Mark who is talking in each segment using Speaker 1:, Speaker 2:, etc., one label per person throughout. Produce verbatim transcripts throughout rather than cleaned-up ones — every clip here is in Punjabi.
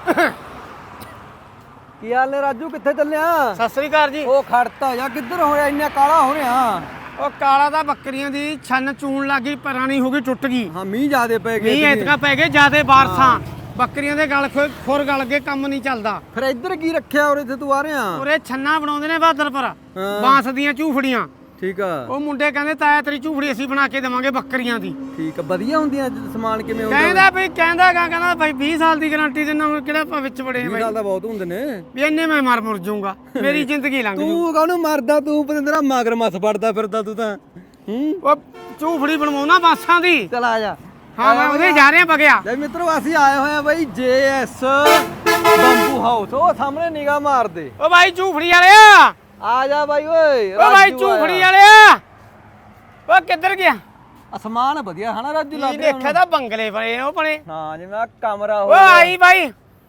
Speaker 1: ਕੀ ਹਾਲ ਨੇ ਰਾਜੂ, ਕਿੱਥੇ ਚੱਲਿਆ?
Speaker 2: ਸਤਿ ਸ੍ਰੀ ਅਕਾਲ ਜੀ।
Speaker 1: ਉਹ ਖੜਤਾ ਜਾ, ਕਿੱਧਰ ਹੋਇਆ ਇੰਨਾ ਕਾਲਾ ਹੋ ਰਿਹਾ?
Speaker 2: ਉਹ ਕਾਲਾ ਦਾ ਬੱਕਰੀਆਂ ਦੀ ਛੰਨ ਚੂਣ ਲੱਗ ਗਈ, ਪੁਰਾਣੀ ਹੋ ਗਈ, ਟੁੱਟ ਗਈ।
Speaker 1: ਹਾਂ ਮੀਂਹ ਜ਼ਿਆਦੇ ਪੈ ਗਏ,
Speaker 2: ਮੀਂਹ ਇਤਕਾ ਪੈ ਗਏ ਜ਼ਿਆਦੇ, ਬਾਰਸਾਂ ਬੱਕਰੀਆਂ ਦੇ ਗਲ ਖੁਰ ਗਲ ਕੇ ਕੰਮ ਨਹੀਂ ਚੱਲਦਾ।
Speaker 1: ਫਿਰ ਇੱਧਰ ਕੀ ਰੱਖਿਆ ਉਰੇ ਤੇ ਤੂੰ ਆ ਰਿਹਾ?
Speaker 2: ਉਰੇ ਛੰਨਾ ਬਣਾਉਂਦੇ ਨੇ ਬਹਾਦਰਪੁਰ, ਬਾਂਸ ਦੀਆਂ ਝੂਫੜੀਆਂ।
Speaker 1: ਠੀਕ ਆ।
Speaker 2: ਉਹ ਮੁੰਡੇ ਕਹਿੰਦੇ ਤਾਇਆ ਤੇਰੀ ਝੂਫੜੀ ਅਸੀਂ ਬਣਾ ਕੇ ਦੇਵਾਂਗੇ ਬੱਕਰੀਆਂ ਦੀ।
Speaker 1: ਠੀਕ ਆ, ਵਧੀਆ ਹੁੰਦੀਆਂ? ਸਮਾਨ ਕਿਵੇਂ ਹੁੰਦਾ?
Speaker 2: ਕਹਿੰਦਾ ਬਈ ਕਹਿੰਦਾ ਗਾ ਕਹਿੰਦਾ ਭਾਈ ਵੀਹ ਸਾਲ ਦੀ ਗਾਰੰਟੀ ਦਿੰਦਾ, ਹੁਣ ਕਿਹੜਾ ਆਪਾਂ ਵਿੱਚ ਬੜੇ
Speaker 1: ਵੀਹ ਸਾਲ ਦਾ ਬਹੁਤ ਹੁੰਦੇ ਨੇ
Speaker 2: ਵੀ ਇੰਨੇ ਮੈਂ ਮਰ ਮੁਰ ਜਾਊਂਗਾ, ਮੇਰੀ ਜ਼ਿੰਦਗੀ ਲੰਘ ਜੂ।
Speaker 1: ਤੂੰ ਕਾਹਨੂੰ ਮਰਦਾ, ਤੂੰ ਪਤੰਦਰਾ ਮਗਰ ਮੱਸ ਫੜਦਾ ਫਿਰਦਾ ਤੂੰ ਤਾਂ। ਹੂੰ,
Speaker 2: ਉਹ ਝੂਫੜੀ ਬਣਵਾਉਣਾ ਬਾਂਸਾਂ ਦੀ।
Speaker 1: ਚਲ ਆ ਜਾ।
Speaker 2: ਹਾਂ ਮੈਂ ਉਹਦੇ ਜਾ ਰਿਹਾ ਬਗਿਆ।
Speaker 1: ਲੈ ਮਿੱਤਰੋ, ਅਸੀਂ ਆਏ ਹੋਏ ਆ ਬਾਈ ਜੇ ਐਸ ਬੰਬੂ ਹਾਊਸ। ਉਹ ਸਾਹਮਣੇ ਨਿਗਾਹ ਮਾਰ ਦੇ।
Speaker 2: ਓ ਭਾਈ ਝੂਫੜੀ ਵਾਲਿਆ
Speaker 1: ਆ ਜਾ ਬਾਈ ਓਏ।
Speaker 2: ਓ ਭਾਈ ਝੂਫੜੀ ਵਾਲਿਆ, ਓ ਕਿੱਧਰ ਗਿਆ?
Speaker 1: ਅਸਮਾਨ ਵਧੀਆ ਹਨਾ ਰਾਜੂ?
Speaker 2: ਲੱਗ ਰਿਹਾ ਦੇਖਿਆ ਤਾਂ ਬੰਗਲੇ ਬਣੇ ਉਹ ਬਣੇ।
Speaker 1: ਹਾਂ ਜਿਵੇਂ ਆ ਕਮਰਾ
Speaker 2: ਓ ਆਈ ਬਾਈ,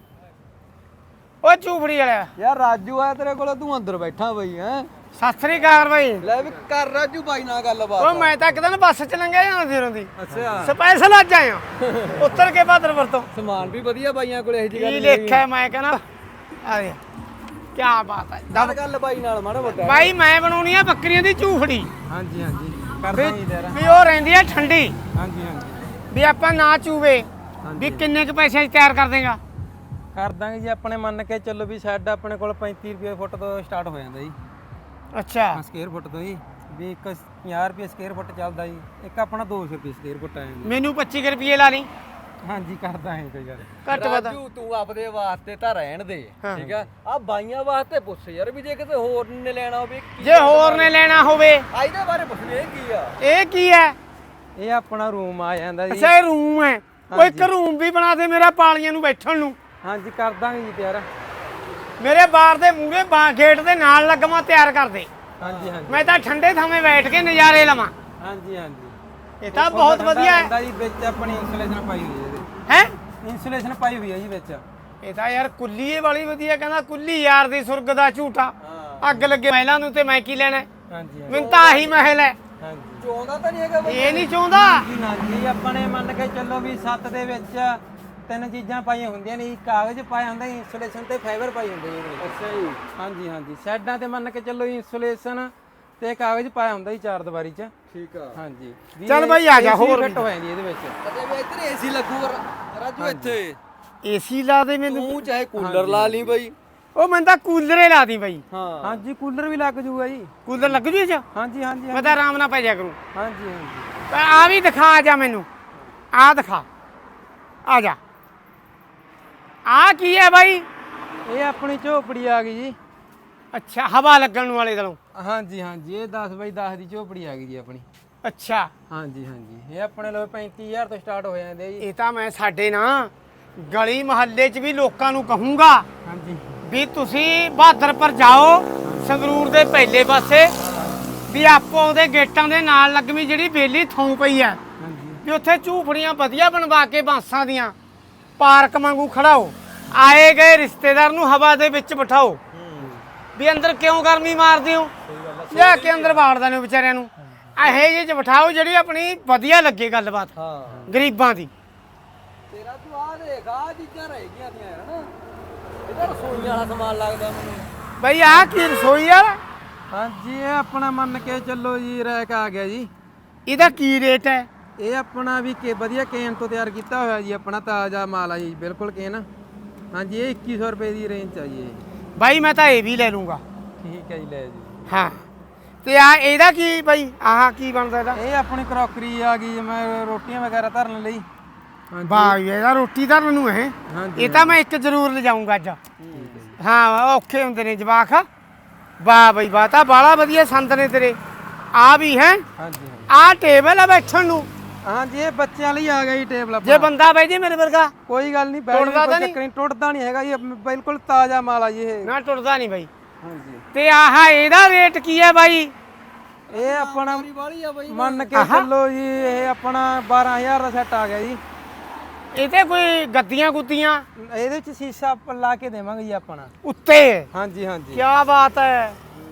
Speaker 2: ਓ ਝੂਫੜੀ ਵਾਲਿਆ।
Speaker 1: ਯਾਰ ਰਾਜੂ ਆਇਆ ਤੇਰੇ ਕੋਲ, ਤੂੰ ਅੰਦਰ ਬੈਠਾ ਬਾਈ। ਹੈ
Speaker 2: ਸਤਿ ਸ੍ਰੀ ਅਕਾਲ ਬਾਈ।
Speaker 1: ਲੈ ਵੀ ਕਰ ਰਾਜੂ ਬਾਈ ਨਾਲ ਗੱਲਬਾਤ।
Speaker 2: ਓ ਮੈਂ ਤਾਂ ਇੱਕ ਦਿਨ ਬੱਸ ਚ ਲੰਘਿਆ ਜਾਂਦਾ ਫਿਰੋਂ ਦੀ।
Speaker 1: ਅੱਛਾ,
Speaker 2: ਸਪੈਸ਼ਲ ਅੱਜ ਆਇਆ ਉੱਤਰ ਕੇ ਬਹਾਦਰਪੁਰ ਤੋਂ।
Speaker 1: ਸਮਾਨ ਵੀ ਵਧੀਆ ਬਾਈਆਂ ਕੋਲ, ਇਹੋ ਜੀ ਗੱਲ
Speaker 2: ਕੀ
Speaker 1: ਨਹੀਂ।
Speaker 2: ਦੇਖਿਆ ਮੈਂ ਕਹਿੰਦਾ ਆ ਦੇ ਕੀ ਬਾਤ ਹੈ।
Speaker 1: ਦੱਸ ਗੱਲ ਬਾਈ ਨਾਲ ਮਾੜਾ ਮੋਟਾ।
Speaker 2: ਬਾਈ ਮੈਂ ਬਣਾਉਣੀ ਆ ਬੱਕਰੀਆਂ ਦੀ ਝੂਫੜੀ।
Speaker 1: ਹਾਂਜੀ ਹਾਂਜੀ ਕਰਦਾ ਹੀ ਤੇਰਾ।
Speaker 2: ਵੀ ਉਹ ਰਹਿੰਦੀ ਆ ਠੰਡੀ,
Speaker 1: ਹਾਂਜੀ ਹਾਂਜੀ
Speaker 2: ਵੀ ਆਪਾਂ ਨਾ ਚੂਵੇ। ਵੀ ਕਿੰਨੇ ਕੁ ਪੈਸੇ ਚ ਤਿਆਰ ਕਰ ਦੇਗਾ?
Speaker 1: ਕਰ ਦਾਂਗੇ ਜੀ। ਆਪਣੇ ਮੰਨ ਕੇ ਚੱਲੋ ਵੀ ਸ਼ੈੱਡ ਆਪਣੇ ਕੋਲ ਪੈਂਤੀ ਰੁਪਏ ਫੁੱਟ ਤੋਂ ਸਟਾਰਟ ਹੋ ਜਾਂਦਾ ਜੀ।
Speaker 2: ਅੱਛਾ,
Speaker 1: ਸਕੁਅਰ ਫੁੱਟ ਤੋਂ ਜੀ। ਵੀ ਇੱਕ ਪੰਜਾਹ ਰੁਪਏ ਸਕੁਅਰ ਫੁੱਟ ਚੱਲਦਾ ਜੀ, ਇੱਕ ਆਪਣਾ ਦੋ ਸੌ ਰੁਪਏ ਸਕੁਅਰ ਫੁੱਟ ਆ ਜਾਂਦਾ।
Speaker 2: ਮੈਨੂੰ ਪੱਚੀ ਕੁ ਰੁਪਏ ਲਾ ਲਈ।
Speaker 1: ਹਾਂਜੀ ਕਰਦਾ ਹੈ ਕੋਈ ਗੱਲ।
Speaker 2: ਘੱਟ ਵੱਧ
Speaker 1: ਰਾਜੂ ਤੂੰ ਆਪਦੇ ਵਾਸਤੇ ਤਾਂ ਰਹਿਣ ਦੇ, ਠੀਕ ਆ। ਆ ਬਾਈਆਂ ਵਾਸਤੇ ਪੁੱਛ ਯਾਰ, ਵੀ ਜੇ ਕਿਤੇ ਹੋਰ ਨੇ ਲੈਣਾ ਹੋਵੇ।
Speaker 2: ਜੇ ਹੋਰ ਨੇ ਲੈਣਾ ਹੋਵੇ
Speaker 1: ਆ ਇਹਦੇ ਬਾਰੇ ਪੁੱਛ ਵੀ ਇਹ ਕੀ ਆ?
Speaker 2: ਇਹ ਕੀ ਹੈ?
Speaker 1: ਇਹ ਆਪਣਾ ਰੂਮ ਆ ਜਾਂਦਾ ਜੀ।
Speaker 2: ਅੱਛਾ ਇਹ ਰੂਮ ਹੈ। ਉਹ ਇੱਕ ਰੂਮ ਵੀ ਬਣਾ ਦੇ ਮੇਰਾ ਪਾਲੀਆਂ ਨੂੰ ਬੈਠਣ ਨੂੰ।
Speaker 1: ਹਾਂਜੀ ਕਰ ਦਾਂਗੇ ਜੀ ਤਿਆਰ।
Speaker 2: ਮੇਰੇ ਬਾਰ ਦੇ ਮੂਹਰੇ ਬਾ ਗੇਟ ਦੇ ਨਾਲ ਲੱਗਵਾ ਤਿਆਰ ਕਰ ਦੇ।
Speaker 1: ਹਾਂਜੀ ਹਾਂਜੀ
Speaker 2: ਮੈਂ ਤਾਂ ਠੰਡੇ ਥਾਵੇਂ ਬੈਠ ਕੇ ਨਜ਼ਾਰੇ ਲਵਾਂ।
Speaker 1: ਹਾਂਜੀ ਹਾਂਜੀ
Speaker 2: ਇਹ ਤਾਂ ਬਹੁਤ ਵਧੀਆ ਹੈ
Speaker 1: ਜੀ। ਵਿੱਚ ਆਪਣੀ ਇਨਸੂਲੇਸ਼ਨ ਪਾਈ ਹੋਈ ਹੈ ਇਹਦੇ।
Speaker 2: ਹੈ
Speaker 1: ਇਨਸੂਲੇਸ਼ਨ ਪਾਈ ਹੋਈ ਹੈ ਜੀ ਵਿੱਚ।
Speaker 2: ਇਹ ਤਾਂ ਯਾਰ ਕੁੱਲੀਏ ਵਾਲੀ ਵਧੀਆ। ਕਹਿੰਦਾ ਕੁੱਲੀ ਯਾਰ ਦੀ ਸੁਰਗ ਦਾ ਝੂਠਾ। ਅੱਗ ਲੱਗੇ ਮਹਿਲਾਂ ਨੂੰ ਤੇ ਮੈਂ ਕੀ ਲੈਣਾ?
Speaker 1: ਹਾਂਜੀ
Speaker 2: ਮੈਨੂੰ ਤਾਂ ਆਹੀ ਮਹਿਲ ਹੈ।
Speaker 1: ਹਾਂਜੀ ਚਾਹੁੰਦਾ ਤਾਂ ਨਹੀਂ ਹੈਗਾ ਬਈ?
Speaker 2: ਇਹ ਨਹੀਂ ਚਾਹੁੰਦਾ
Speaker 1: ਜੀ ਨਾ ਜੀ। ਆਪਣੇ ਮੰਨ ਕੇ ਚੱਲੋ ਵੀ ਸੱਤ ਦੇ ਵਿੱਚ ਤਿੰਨ ਚੀਜ਼ਾਂ ਪਾਈਆਂ ਹੁੰਦੀਆਂ ਨੇ। ਕਾਗਜ਼ ਪਾਇਆ ਹੁੰਦਾ, ਇਨਸੂਲੇਸ਼ਨ ਤੇ ਫਾਈਬਰ ਪਾਈ ਹੁੰਦੀ ਹੈ। ਅੱਛਾ ਜੀ। ਹਾਂਜੀ ਹਾਂਜੀ ਸਾਈਡਾਂ ਤੇ ਮੰਨ ਕੇ ਚੱਲੋ ਇਨਸੂਲੇਸ਼ਨ ਤੇ ਕਾਗਜ਼ ਪਾਇਆ ਹੁੰਦਾ ਜੀ ਚਾਰ ਦੀਵਾਰੀ 'ਚ। ਠੀਕ ਆ। ਹਾਂਜੀ
Speaker 2: ਚੱਲ ਬਾਈ ਆ ਜਾ। ਹੋਰ
Speaker 1: ਫਿੱਟ ਹੋ ਜਾਂਦੀ ਇਹਦੇ ਵਿੱਚ। ਅੱਛਾ ਵੀ ਇੱਧਰ ਏਸੀ ਲੱਗੂਗਾ ਰਾਜੂ ਇੱਥੇ?
Speaker 2: ਏਸੀ ਲਾ ਦੇ ਮੈਨੂੰ।
Speaker 1: ਤੂੰ ਚਾਹੇ ਕੂਲਰ ਲਾ ਲਈ ਬਾਈ।
Speaker 2: ਉਹ ਮੈਂ ਤਾਂ ਕੂਲਰੇ ਲਾ ਦੀ ਬਾਈ।
Speaker 1: ਹਾਂ ਹਾਂਜੀ ਕੂਲਰ ਵੀ ਲੱਗ ਜੂਗਾ ਜੀ।
Speaker 2: ਕੂਲਰ ਲੱਗ ਜੂ ਇਹ 'ਚ?
Speaker 1: ਹਾਂਜੀ ਹਾਂਜੀ
Speaker 2: ਮੈਂ ਤਾਂ ਆਰਾਮ ਨਾਲ ਪੈ ਜਾ ਕਰੂੰ।
Speaker 1: ਹਾਂਜੀ ਹਾਂਜੀ
Speaker 2: ਪਰ ਆ ਵੀ ਦਿਖਾ ਜਾ ਮੈਨੂੰ। ਆ ਦਿਖਾ, ਆ ਜਾ। ਆ ਕੀ ਹੈ ਬਾਈ?
Speaker 1: ਇਹ ਆਪਣੀ ਝੋਪੜੀ ਆ ਗਈ ਜੀ।
Speaker 2: ਅੱਛਾ, ਹਵਾ ਲੱਗਣ ਵਾਲੇ ਦਲੋਂ।
Speaker 1: ਹਾਂਜੀ ਹਾਂਜੀ ਇਹ ਦਸ ਬਾਈ ਦਸ ਦੀ ਝੋਪੜੀ ਆ ਗਈ ਜੀ ਆਪਣੀ।
Speaker 2: ਅੱਛਾ
Speaker 1: ਹਾਂਜੀ ਹਾਂਜੀ ਇਹ ਆਪਣੇ ਲੋ ਪੈਂਤੀ ਹਜ਼ਾਰ ਤੋਂ ਸਟਾਰਟ ਹੋ ਜਾਂਦੇ ਜੀ।
Speaker 2: ਇਹ ਤਾਂ ਮੈਂ ਸਾਡੇ ਨਾ ਗਲੀ ਮੁਹੱਲੇ 'ਚ ਵੀ ਲੋਕਾਂ ਨੂੰ ਕਹੂੰਗਾ
Speaker 1: ਹਾਂਜੀ
Speaker 2: ਵੀ ਤੁਸੀਂ ਬਹਾਦਰਪੁਰ ਜਾਓ, ਸੰਗਰੂਰ ਦੇ ਪਹਿਲੇ ਪਾਸੇ ਵੀ ਆਪੋ ਉਹਦੇ ਗੇਟਾਂ ਦੇ ਨਾਲ ਲੱਗਵੀਂ ਜਿਹੜੀ ਬੇਲੀ ਥਾਂ ਪਈ ਆ,
Speaker 1: ਹਾਂਜੀ
Speaker 2: ਵੀ ਉੱਥੇ ਝੂਫੜੀਆਂ ਵਧੀਆ ਬਣਵਾ ਕੇ ਬਾਂਸਾਂ ਦੀਆਂ ਪਾਰਕ ਵਾਂਗੂ ਖੜਾਓ। ਆਏ ਗਏ ਰਿਸ਼ਤੇਦਾਰ ਨੂੰ ਹਵਾ ਦੇ ਵਿੱਚ ਬਿਠਾਓ। ਵੀ ਅੰਦਰ ਕਿਉਂ ਗਰਮੀ ਮਾਰਦੇ ਹੋ? ਲਿਆ ਕੇ ਅੰਦਰ ਬਾੜਦੇ ਨੇ ਵਿਚਾਰਿਆਂ ਨੂੰ। ਇਹੋ ਜਿਹੇ 'ਚ ਬਿਠਾਓ ਜਿਹੜੀ ਆਪਣੀ ਵਧੀਆ ਲੱਗੇ ਗੱਲਬਾਤ ਗਰੀਬਾਂ ਦੀ।
Speaker 1: ਤੇਰਾ ਤੂੰ ਆ ਦੇਖ, ਆ ਚੀਜ਼ਾਂ ਰਹਿ ਗਈਆਂ ਦੀਆਂ ਯਾਰ ਹਨਾ। ਇਹਦਾ ਰਸੋਈ ਵਾਲਾ ਸਮਾਨ ਲੱਗਦਾ ਮੈਨੂੰ
Speaker 2: ਬਈ ਆਹ ਕੀ ਰਸੋਈ ਆ?
Speaker 1: ਹਾਂਜੀ ਇਹ ਆਪਣਾ ਮੰਨ ਕੇ ਚੱਲੋ ਜੀ ਰੈਕ ਆ ਗਿਆ ਜੀ।
Speaker 2: ਇਹਦਾ ਕੀ ਰੇਟ ਹੈ?
Speaker 1: ਇਹ ਆਪਣਾ ਵੀ ਕੇ ਵਧੀਆ ਕੇਨ ਤੋਂ ਤਿਆਰ ਕੀਤਾ ਹੋਇਆ ਜੀ। ਆਪਣਾ ਤਾਜ਼ਾ ਮਾਲ ਆ ਜੀ, ਬਿਲਕੁਲ ਕੇਨ। ਹਾਂਜੀ ਇਹ ਇੱਕੀ ਸੌ ਰੁਪਏ ਦੀ ਰੇਂਜ ਚ ਆ ਜੀ ਇਹ।
Speaker 2: ਬਾਈ ਮੈਂ ਤਾਂ ਇਹ ਵੀ ਲੈ ਲੂੰਗਾ।
Speaker 1: ਠੀਕ ਹੈ ਜੀ ਲੈ ਜੀ।
Speaker 2: ਹਾਂ ਤੇ ਆ ਇਹਦਾ ਕੀ ਬਾਈ? ਆਹ ਕੀ ਬਣਦਾ ਇਹਦਾ?
Speaker 1: ਇਹ ਆਪਣੀ ਕਰੋਕਰੀ ਆ ਗਈ ਜਿਵੇਂ ਰੋਟੀਆਂ ਵਗੈਰਾ ਧਰਨ ਲਈ।
Speaker 2: ਵਾਹ ਇਹਦਾ ਰੋਟੀ ਧਰਨ ਨੂੰ ਇਹ। ਇਹ ਤਾਂ ਮੈਂ ਇੱਕ ਜ਼ਰੂਰ ਲਿਜਾਊਂਗਾ ਅੱਜ। ਹਾਂ ਔਖੇ ਹੁੰਦੇ ਨੇ ਜਵਾਕ। ਵਾਹ ਬਈ ਵਾਹ, ਤਾਂ ਬਾਲਾ ਵਧੀਆ ਸੰਦ ਨੇ ਤੇਰੇ। ਆ ਵੀ ਹੈ।
Speaker 1: ਹਾਂਜੀ
Speaker 2: ਆ ਟੇਬਲ ਆ ਬੈਠਣ ਨੂੰ।
Speaker 1: ਹਾਂਜੀ ਇਹ ਬੱਚਿਆਂ ਲਈ ਆ ਗਿਆ ਜੀ ਟੇਬਲ।
Speaker 2: ਜੇ ਬੰਦਾ ਬਹਿ ਜੇ ਮੇਰੇ ਵਰਗਾ
Speaker 1: ਕੋਈ ਗੱਲ ਨਹੀਂ,
Speaker 2: ਟੁੱਟਦਾ ਤਾਂ ਨਹੀਂ?
Speaker 1: ਚੱਕਰ ਨਹੀਂ, ਟੁੱਟਦਾ ਨਹੀਂ ਹੈਗਾ ਜੀ। ਬਿਲਕੁਲ ਤਾਜ਼ਾ ਮਾਲ ਆ ਜੀ ਇਹ।
Speaker 2: ਨਾ ਟੁੱਟਦਾ ਨਹੀਂ ਬਾਈ।
Speaker 1: ਹਾਂਜੀ
Speaker 2: ਤੇ ਆਹ ਇਹਦਾ ਰੇਟ ਕੀ ਹੈ ਬਾਈ?
Speaker 1: ਇਹ ਆਪਣਾ ਮੰਨ ਕੇ ਚੱਲੋ ਜੀ ਇਹ ਆਪਣਾ ਬਾਰਾਂ ਹਜ਼ਾਰ ਦਾ ਸੈੱਟ ਆ ਗਿਆ ਜੀ।
Speaker 2: ਇਹ ਤੇ ਕੋਈ ਗੱਦੀਆਂ ਗੁੱਦੀਆਂ?
Speaker 1: ਇਹਦੇ ਵਿੱਚ ਸ਼ੀਸ਼ਾ ਲਾ ਕੇ ਦੇਵਾਂਗੇ ਜੀ ਆਪਣਾ
Speaker 2: ਉੱਤੇ।
Speaker 1: ਹਾਂਜੀ ਹਾਂਜੀ
Speaker 2: ਕੀ ਬਾਤ ਹੈ।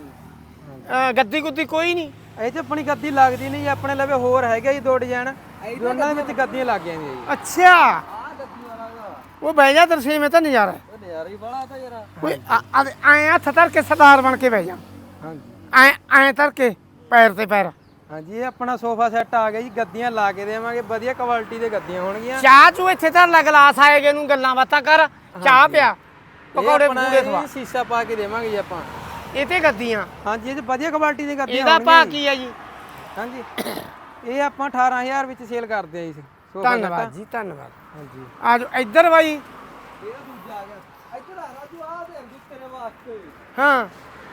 Speaker 2: ਗੱਦੀ ਗੁੱਦੀ ਕੋਈ ਨਹੀਂ
Speaker 1: ਇਹ 'ਚ ਆਪਣੀ ਗੱਦੀ ਲੱਗਦੀ ਨਹੀਂ ਜੀ। ਆਪਣੇ ਲਵੇ ਹੋਰ ਹੈਗਾ ਜੀ ਦੋ ਡਿਜ਼ਾਈਨ, ਦੋਨਾਂ ਦੇ ਵਿੱਚ ਗੱਦੀਆਂ ਲੱਗ ਜਾਂਦੀਆਂ ਜੀ।
Speaker 2: ਅੱਛਾ ਉਹ ਬਹਿ ਜਾ ਤਰਸੇਮ, ਇਹ ਤਾਂ ਨਜ਼ਾਰਾ ਹੈ।
Speaker 3: ਉਹ ਨਜ਼ਾਰਾ ਹੀ ਬੜਾ ਤਾਂ ਯਾਰ।
Speaker 2: ਓਏ ਐ ਹੱਥ ਧਰ ਕੇ ਸਰਦਾਰ ਬਣ ਕੇ ਬਹਿ ਜਾ।
Speaker 1: ਹਾਂਜੀ
Speaker 2: ਐ ਐ ਧਰ ਕੇ ਪੈਰ ਤੇ ਪੈਰ।
Speaker 1: ਹਾਂਜੀ ਇਹ ਆਪਣਾ ਸੋਫਾ ਸੈੱਟ ਆ ਗਿਆ ਜੀ, ਗੱਦੀਆਂ ਲਾ ਕੇ ਦੇਵਾਂਗੇ, ਵਧੀਆ ਕੁਆਲਿਟੀ ਦੇ ਗੱਦੀਆਂ ਹੋਣਗੀਆਂ।
Speaker 2: ਚਾਹ ਚੂ ਇੱਥੇ ਧਰ ਲੈ, ਗਲਾਸ ਆਏਗੇ ਨੂੰ ਗੱਲਾਂ ਬਾਤਾਂ ਕਰ, ਚਾਹ ਪਿਆ, ਪਕੌੜੇ
Speaker 1: ਆਪਣਾ
Speaker 2: ਪੂੜੇ
Speaker 1: ਇਹ
Speaker 2: ਖਵਾ।
Speaker 1: ਸ਼ੀਸ਼ਾ ਪਾ ਕੇ ਦੇਵਾਂਗੇ ਜੀ ਆਪਾਂ।
Speaker 2: ਇਹ ਤੇ ਗੱਦੀਆਂ,
Speaker 1: ਹਾਂਜੀ ਇਹ 'ਚ ਵਧੀਆ ਕੁਆਲਿਟੀ ਦੀ ਗੱਦੀਆਂ
Speaker 2: ਇਹਦਾ ਭਾਅ ਕੀ ਹੈ ਜੀ?
Speaker 1: ਹਾਂਜੀ ਇਹ ਆਪਾਂ ਅਠਾਰਾਂ ਹਜ਼ਾਰ ਵਿੱਚ ਸੇਲ ਕਰਦੇ ਆ ਜੀ ਸੋਫਾ ਸੈੱਟ।
Speaker 2: ਧੰਨਵਾਦ ਜੀ, ਧੰਨਵਾਦ।
Speaker 1: ਹਾਂਜੀ
Speaker 2: ਆ ਜਾਓ ਇੱਧਰ ਬਾਈ।
Speaker 3: ਇਹਦਾ ਦੂਜਾ ਆ ਗਿਆ ਇੱਧਰ ਆ ਰਾਜੂ, ਆ ਦੇ ਅੰਦੂ ਤੇਰੇ ਵਾਸਤੇ।
Speaker 2: ਹਾਂ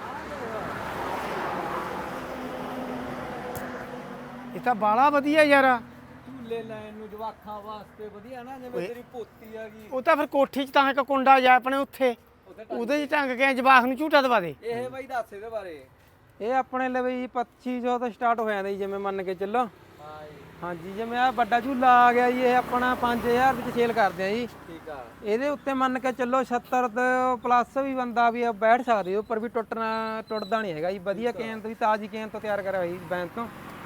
Speaker 2: ਇਹ ਤਾਂ ਬਾਲਾ ਵਧੀਆ ਯਾਰ।
Speaker 3: ਝੂਲੇ ਲੈਣ ਨੂੰ ਜਵਾਖਾਂ ਵਾਸਤੇ ਵਧੀਆ ਨਾ, ਜਿਵੇਂ ਤੇਰੀ ਪੋਤੀ ਆ ਗਈ।
Speaker 2: ਉਹ ਤਾਂ ਫਿਰ ਕੋਠੀ 'ਚ ਤਾਂ ਇੱਕ ਕੁੰਡਾ ਜਾ ਆਪਣੇ ਉੱਥੇ, ਉਹਦੇ 'ਚ ਟੰਗ ਕੇ ਜਵਾਖ ਨੂੰ ਝੂਟਾ ਦਵਾ ਦੇ।
Speaker 3: ਇਹ ਬਾਈ ਦੱਸ ਇਹਦੇ ਬਾਰੇ।
Speaker 1: ਇਹ ਆਪਣੇ ਲਈ ਜੀ ਪੱਚੀ ਸੌ ਤੋਂ ਸਟਾਰਟ ਹੋ ਜਾਂਦਾ ਜੀ, ਜਿਵੇਂ ਮੰਨ ਕੇ ਚੱਲੋ।
Speaker 3: ਹਾਂ ਜੀ
Speaker 1: ਹਾਂਜੀ ਜਿਵੇਂ ਆ ਵੱਡਾ ਝੂਲਾ ਆ ਗਿਆ ਜੀ, ਇਹ ਆਪਣਾ ਪੰਜ ਹਜ਼ਾਰ ਵਿੱਚ ਸੇਲ ਕਰਦੇ ਆ ਜੀ।
Speaker 3: ਠੀਕ ਆ।
Speaker 1: ਇਹਦੇ ਉੱਤੇ ਮੰਨ ਕੇ ਚੱਲੋ ਸੱਤਰ ਤੋਂ ਪਲੱਸ ਵੀ ਬੰਦਾ ਵੀ ਬੈਠ ਸਕਦੇ, ਉੱਪਰ ਵੀ ਟੁੱਟਣਾ ਟੁੱਟਦਾ ਨਹੀਂ ਹੈਗਾ ਜੀ। ਵਧੀਆ ਕੇਨ ਵੀ ਤਾਜ਼ੀ ਕੇਨ ਤੋਂ ਤਿਆਰ ਕਰਿਆ ਹੋਈ ਬੈਂਕ ਤੋਂ।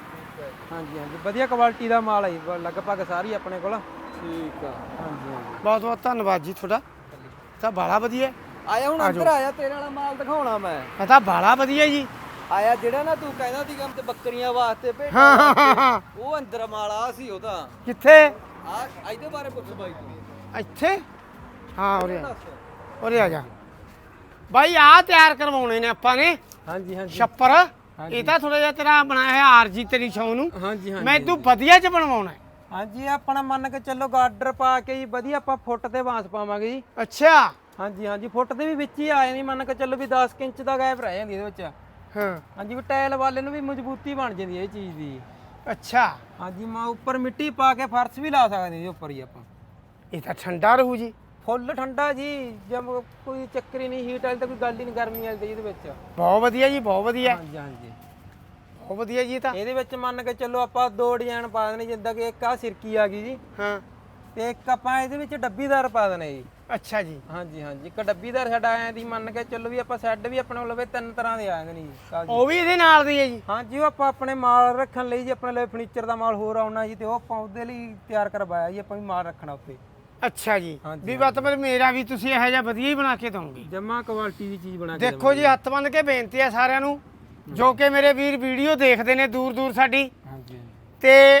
Speaker 1: ਹਾਂਜੀ ਹਾਂਜੀ ਵਧੀਆ ਕੁਆਲਿਟੀ ਦਾ ਮਾਲ ਹੈ ਜੀ, ਲਗਭਗ ਸਾਰੀ ਆਪਣੇ ਕੋਲ।
Speaker 3: ਠੀਕ ਆ।
Speaker 1: ਹਾਂਜੀ ਹਾਂਜੀ
Speaker 2: ਬਹੁਤ ਬਹੁਤ ਧੰਨਵਾਦ ਜੀ ਤੁਹਾਡਾ, ਤਾਂ ਬਾਲਾ ਵਧੀਆ।
Speaker 3: ਆਇਆ ਹੁਣ ਅੰਦਰ ਆਇਆ, ਤੇਰੇ ਵਾਲਾ ਮਾਲ ਦਿਖਾਉਣਾ ਮੈਂ।
Speaker 2: ਇਹ ਤਾਂ ਬਾਲਾ ਵਧੀਆ ਜੀ।
Speaker 3: ਆਇਆ ਜਿਹੜਾ ਨਾ ਤੂੰ ਕਹਿੰਦਾ ਸੀ ਕੰਮ ਤੇ ਬੱਕਰੀਆਂ ਵਾਸਤੇ ਭੇਡ
Speaker 2: ਹਾਂ ਹਾਂ ਹਾਂ ਹਾਂ।
Speaker 3: ਉਹ ਅੰਦਰ ਮਾਲ ਆ ਸੀ ਉਹਦਾ।
Speaker 2: ਕਿੱਥੇ?
Speaker 3: ਆ ਇਹਦੇ ਬਾਰੇ ਪੁੱਛ ਬਾਈ ਤੂੰ।
Speaker 2: ਇੱਥੇ? ਹਾਂ ਉਰੇ ਆ,
Speaker 3: ਦੱਸ।
Speaker 2: ਉਰੇ ਆ ਜਾ ਬਾਈ। ਆ ਤਿਆਰ ਕਰਵਾਉਣੇ ਨੇ ਆਪਾਂ ਨੇ
Speaker 1: ਹਾਂਜੀ ਹਾਂਜੀ
Speaker 2: ਛੱਪਰ। ਇਹ ਤਾਂ ਥੋੜਾ ਜਿਹਾ ਤੇਰਾ ਬਣਾਇਆ ਹੋਇਆ ਆਰਜੀ ਤੇਰੀ ਸ਼ੌ ਨੂੰ।
Speaker 1: ਹਾਂਜੀ ਹਾਂਜੀ
Speaker 2: ਮੈਂ ਤੂੰ ਵਧੀਆ ਚ ਬਣਵਾਉਣਾ ਹੈ।
Speaker 1: ਹਾਂਜੀ ਇਹ ਆਪਣਾ ਮੰਨ ਕੇ ਚੱਲੋ ਗਾਰਡਰ ਪਾ ਕੇ ਜੀ ਵਧੀਆ ਆਪਾਂ ਫੁੱਟ ਤੇ ਬਾਂਸ ਪਾਵਾਂਗੇ ਜੀ।
Speaker 2: ਅੱਛਾ।
Speaker 1: ਹਾਂਜੀ ਹਾਂਜੀ ਫੁੱਟ ਦੇ ਵੀ ਵਿੱਚ ਹੀ ਆਏ ਨਹੀਂ, ਮੰਨ ਕੇ ਚੱਲੋ ਵੀ ਦਸ ਇੰਚ ਦਾ ਗੈਪ ਰਹਿ ਜਾਂਦੀ ਇਹਦੇ ਵਿੱਚ।
Speaker 2: ਹਾਂ
Speaker 1: ਹਾਂਜੀ ਵੀ ਟਾਇਲ ਵਾਲੇ ਨੂੰ ਵੀ ਮਜ਼ਬੂਤੀ ਬਣ ਜਾਂਦੀ ਹੈ ਇਹ ਚੀਜ਼ ਦੀ।
Speaker 2: ਅੱਛਾ।
Speaker 1: ਹਾਂਜੀ ਮਾ ਉੱਪਰ ਮਿੱਟੀ ਪਾ ਕੇ ਫਰਸ਼ ਵੀ ਲਾ ਸਕਦੇ ਜੀ ਉੱਪਰ ਹੀ ਆਪਾਂ।
Speaker 2: ਇਹ ਤਾਂ ਠੰਡਾ ਰਹੂ ਜੀ।
Speaker 1: ਫੁੱਲ ਠੰਡਾ ਜੀ, ਜਦ ਕੋਈ ਚੱਕਰ ਹੀ ਨਹੀਂ, ਹੀਟ ਵਾਲੀ ਤਾਂ ਕੋਈ ਗੱਲ ਹੀ ਨਹੀਂ, ਗਰਮੀ ਵਾਲੀ ਤਾਂ ਇਹਦੇ ਵਿੱਚ।
Speaker 2: ਬਹੁਤ ਵਧੀਆ ਜੀ, ਬਹੁਤ ਵਧੀਆ,
Speaker 1: ਹਾਂਜੀ ਹਾਂਜੀ
Speaker 2: ਬਹੁਤ ਵਧੀਆ ਜੀ। ਤਾਂ
Speaker 1: ਇਹਦੇ ਵਿੱਚ ਮੰਨ ਕੇ ਚੱਲੋ ਆਪਾਂ ਦੋ ਡਿਜ਼ਾਈਨ ਪਾ ਦੇਣੇ, ਜਿੱਦਾਂ ਕਿ ਇੱਕ ਆ ਸਿਰਕੀ ਆ ਗਈ ਜੀ,
Speaker 2: ਹਾਂ
Speaker 1: ਤੇ ਇੱਕ ਆਪਾਂ ਇਹਦੇ ਵਿੱਚ ਡੱਬੀਦਾਰ ਪਾ ਦੇਣੇ ਜੀ।
Speaker 2: ਅੱਛਾ ਜੀ।
Speaker 1: ਹਾਂਜੀ ਹਾਂਜੀ ਇੱਕ ਡੱਬੀਦਾਰ ਸਾਡਾ ਆਇਆ ਦੀ, ਮੰਨ ਕੇ ਚੱਲੋ ਵੀ ਆਪਾਂ ਸੈੱਡ ਵੀ ਆਪਣੇ ਕੋਲ ਤਿੰਨ ਤਰ੍ਹਾਂ ਦੇ ਆ ਜਾਂਦੇ ਨੇ ਜੀ ਕਾਗਜ਼।
Speaker 2: ਉਹ ਵੀ ਇਹਦੇ ਨਾਲ ਦੀ ਹੈ ਜੀ।
Speaker 1: ਹਾਂਜੀ ਉਹ ਆਪਾਂ ਆਪਣੇ ਮਾਲ ਰੱਖਣ ਲਈ ਜੀ, ਆਪਣੇ ਲਈ ਫਰਨੀਚਰ ਦਾ ਮਾਲ ਹੋਰ ਆਉਣਾ ਜੀ, ਤੇ ਉਹ ਆਪਾਂ ਉਹਦੇ ਲਈ ਤਿਆਰ ਕਰਵਾਇਆ ਜੀ, ਆਪਾਂ ਵੀ ਮਾਲ ਰੱਖਣਾ ਉੱਤੇ।
Speaker 2: ਅੱਛਾ ਜੀ।
Speaker 1: ਹਾਂਜੀ,
Speaker 2: ਵੀ ਮਤਲਬ ਮੇਰਾ ਵੀ ਤੁਸੀਂ ਇਹੋ ਜਿਹਾ ਵਧੀਆ ਹੀ ਬਣਾ ਕੇ ਦਵੋਗੇ।
Speaker 1: ਜਮਾ ਕੁਆਲਿਟੀ ਦੀ ਚੀਜ਼ ਬਣਾ ਕੇ
Speaker 2: ਦੇਖੋ ਜੀ, ਹੱਥ ਬੰਨ ਕੇ ਬੇਨਤੀ ਹੈ ਸਾਰਿਆਂ ਨੂੰ ਜੋ ਕਿ ਮੇਰੇ ਵੀਰ ਵੀਡੀਓ ਦੇਖਦੇ ਨੇ ਦੂਰ ਦੂਰ ਸਾਡੀ,
Speaker 1: ਹਾਂਜੀ
Speaker 2: ਤੇ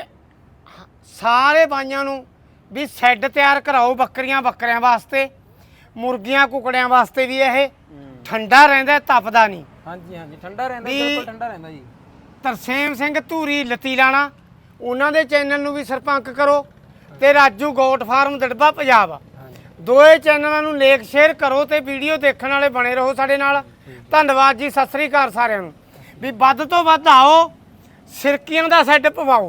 Speaker 2: ਸਾਰੇ ਬਾਈਆਂ ਨੂੰ ਵੀ ਸ਼ੈੱਡ ਤਿਆਰ ਕਰਾਓ ਬੱਕਰੀਆਂ ਬੱਕਰਿਆਂ ਵਾਸਤੇ, ਮੁਰਗੀਆਂ ਕੁਕੜਿਆਂ ਵਾਸਤੇ ਵੀ। ਇਹ ਠੰਡਾ ਰਹਿੰਦਾ, ਤਪਦਾ ਨਹੀਂ।
Speaker 1: ਹਾਂਜੀ ਹਾਂਜੀ ਠੰਡਾ ਰਹਿੰਦਾ,
Speaker 2: ਵੀ-
Speaker 1: ਬਿਲਕੁਲ ਠੰਡਾ ਰਹਿੰਦਾ ਜੀ।
Speaker 2: ਤਰਸੇਮ ਸਿੰਘ ਧੂਰੀ ਲਤੀਲਾਣਾ, ਉਹਨਾਂ ਦੇ ਚੈਨਲ ਨੂੰ ਵੀ ਸਰਪੰਕ ਕਰੋ, ਤੇ ਰਾਜੂ ਗੋਟ ਫਾਰਮ ਦੜਬਾ ਪੰਜਾਬ, ਦੋਏ ਚੈਨਲਾਂ ਨੂੰ ਲੇਖ ਸ਼ੇਅਰ ਕਰੋ, ਤੇ ਵੀਡੀਓ ਦੇਖਣ ਵਾਲੇ ਬਣੇ ਰਹੋ ਸਾਡੇ ਨਾਲ। ਧੰਨਵਾਦ ਜੀ, ਸਤਿ ਸ੍ਰੀ ਅਕਾਲ ਸਾਰਿਆਂ ਨੂੰ। ਵੀ ਵੱਧ ਤੋਂ ਵੱਧ ਆਓ, ਸਿਰਕੀਆਂ ਦਾ ਸੈੱਟ ਪਵਾਓ।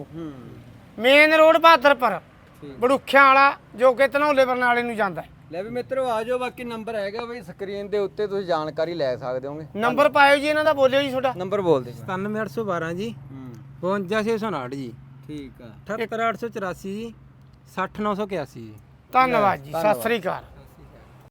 Speaker 2: ਮੇਨ ਰੋਡ ਬਹਾਦਰਪੁਰ ਬੜੂਖਿਆਂ ਵਾਲਾ, ਜੋ ਕਿ ਧਨੌਲੇ ਬਰਨਾਲੇ ਨੂੰ ਜਾਂਦਾ ਹੈ।
Speaker 3: ਲੈ ਵੀ ਮਿੱਤਰੋ ਆ ਜਾਓ, ਬਾਕੀ ਨੰਬਰ ਹੈਗਾ ਬਈ ਸਕਰੀਨ ਦੇ ਉੱਤੇ, ਤੁਸੀਂ ਜਾਣਕਾਰੀ ਲੈ ਸਕਦੇ ਹੋਗੇ।
Speaker 2: ਨੰਬਰ ਪਾਇਓ ਜੀ ਇਹਨਾਂ ਦਾ, ਬੋਲਿਓ ਜੀ ਤੁਹਾਡਾ।
Speaker 3: ਨੰਬਰ ਬੋਲ ਦੇ।
Speaker 1: ਸਤਾਨਵੇਂ ਅੱਠ ਸੌ ਬਾਰਾਂ ਜੀ,
Speaker 3: ਹੂੰ
Speaker 1: ਬਵੰਜਾ ਛੇ ਸੌ ਉਨਾਹਠ ਜੀ,
Speaker 3: ਠੀਕ ਆ।
Speaker 1: ਅਠੱਤਰ ਅੱਠ ਸੌ ਚੁਰਾਸੀ ਜੀ, ਸੱਠ ਨੌ ਸੌ ਇਕਿਆਸੀ ਜੀ।
Speaker 2: ਧੰਨਵਾਦ ਜੀ, ਸਤਿ ਸ੍ਰੀ ਅਕਾਲ।